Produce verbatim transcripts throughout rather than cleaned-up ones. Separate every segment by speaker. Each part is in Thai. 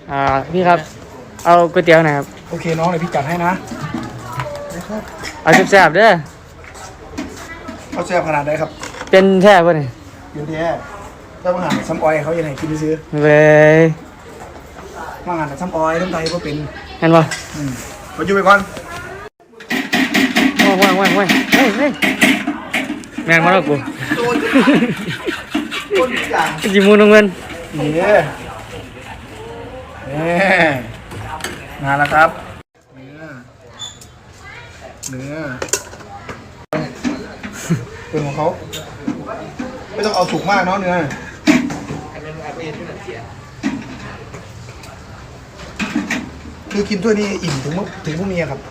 Speaker 1: อ่าพี่ครับเอาก๋วยเตี๋ยวหน่อยครับ
Speaker 2: โอเคน้องเดี๋ยวพี่จัดให้นะ
Speaker 1: เอาแซ่บๆเด้อ
Speaker 2: เขาแซ่บขนาดไหนครับ
Speaker 1: เป็นแท้ป่ะเนี่ย
Speaker 2: เดี๋ยวแท้ถ้ามาหาซ้ำออยเขายังไงกินซื้อ
Speaker 1: เว้ย
Speaker 2: มาหาซ้ำออยน้ำไตก็เป็น
Speaker 1: เห็นป่ะ
Speaker 2: อืมมาอยู่ไปก่อน
Speaker 1: ว่างว่างว่างว่างเฮ้ยเฮ้ยแมนมาแล้วกู
Speaker 2: คนอย่าง
Speaker 1: จิมูนเงิน
Speaker 2: นี่นี่มาแล้วครับเนื้อเนื้อเป็นของเขาไม่ต้องเอาสุกมากเนาะเนื้อคือกินถ้วยนี้อิ่มถึงถึงพรุ่งนี้ครับ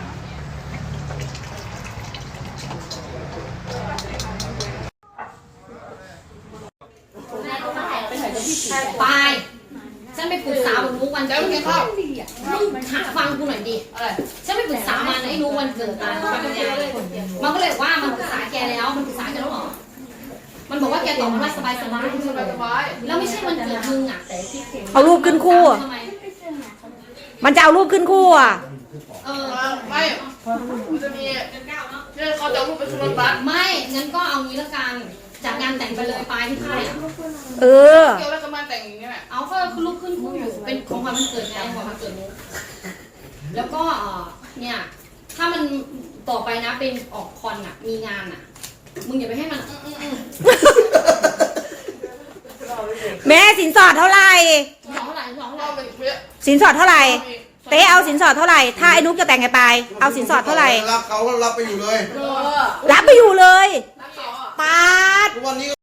Speaker 3: ไปฉันไปปรึกษาบุญมุกวันเกิดมึงหาฟังกูหน่อยดิฉันไปปรึกษามันไอ้รู้วันเกิดมันมันก็เลยว่ามันปรึกษาแกแล้วมันปรึกษาแกแล้วหรอมันบอกว่าแกตอบมันว่าสบายสบายแล้วไม่ใช่วันเกิดมึงอ่ะ
Speaker 4: เอารูปขึ้นคู่มันจะเอารูปขึ้นคู่อ่ะ
Speaker 3: เออไม่มันจะมีเนี่ยเขาจะรูปไปขึ้นรถบัสไม่งั้นก็เอางี้ละกันจากงานแต่งไปเลยปลายที่ค่ายอ่ะ
Speaker 4: เออ
Speaker 3: เกี่ยวกับงานแต่งอย่างเงี้ยเอาก็คือรูปขึ้นคู่อยู่เป็นของความมันเกิดไงของความเกิดมุกแล้วก็เนี่ยถ้ามันต่อไปนะเป็นออกคอนอ่ะมีงานอ่ะมึงอย่าไปให้มัน
Speaker 4: แม่สินสอดเท่าไหร่
Speaker 3: สองเท่าไหร่สองเท่าไหร่
Speaker 4: สินสอดเท่าไหร่เต้เอาสินสอดเท่าไหร่ถ้าไอ้นุ๊กจะแต่งไงไปเอาสินสอดเท่าไหร่
Speaker 5: รับเขารับไปอยู่เลย
Speaker 4: รับไปอยู่เลยปาด